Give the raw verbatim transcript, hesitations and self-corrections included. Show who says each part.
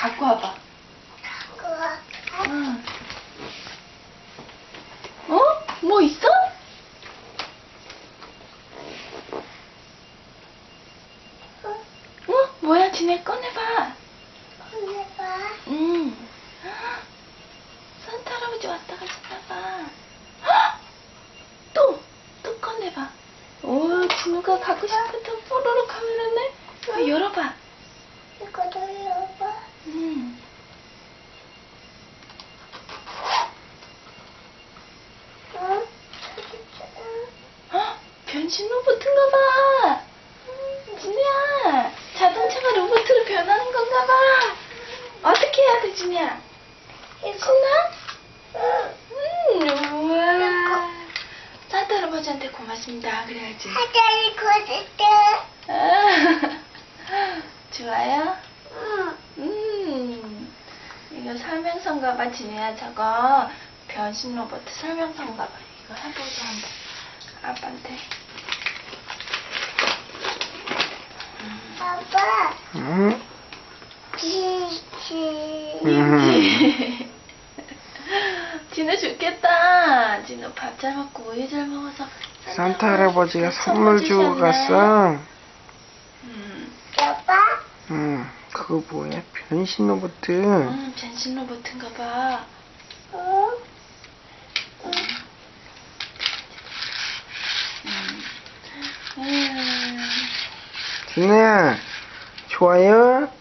Speaker 1: 갖고 와봐.
Speaker 2: 갖고 와.
Speaker 1: 응. 어? 뭐 있어? 어? 뭐야, 지네 꺼내봐.
Speaker 2: 꺼내봐.
Speaker 1: 응. 산타 할아버지 왔다 가셨나봐. 또! 또 꺼내봐. 오, 진우가 갖고 싶었던 뽀로로 카메라네? 어, 열어봐.
Speaker 2: 이거 돌려봐.
Speaker 1: 응.
Speaker 2: 응?
Speaker 1: 어? 변신 로봇인가봐. 진우야, 자동차가 로봇으로 변하는 건가봐. 어떻게 해야 돼, 진우야? 신나? 음, 우와. 산타 할아버지한테 고맙습니다. 그래야지.
Speaker 2: 하자리 걷을
Speaker 1: 아, 좋아요?
Speaker 2: 응.
Speaker 1: 음, 이거 설명서인가봐, 진우야. 저거 변신 로봇 설명서인가봐. 이거 해보자, 한번. 아빠한테.
Speaker 2: 아빠.
Speaker 3: 응?
Speaker 2: 비치.
Speaker 3: 음.
Speaker 1: 진우 좋겠다. 진우 밥 잘 먹고 우유 잘 먹어서
Speaker 3: 산타 할아버지가 선물 주고
Speaker 1: 주셨네.
Speaker 3: 갔어.
Speaker 1: 음,
Speaker 2: 아빠.
Speaker 3: 응. 그거 뭐야? 변신 로봇.
Speaker 1: 음, 변신 로봇인가 봐.
Speaker 2: 응?
Speaker 1: 음. 음.
Speaker 3: 진우야, 좋아요?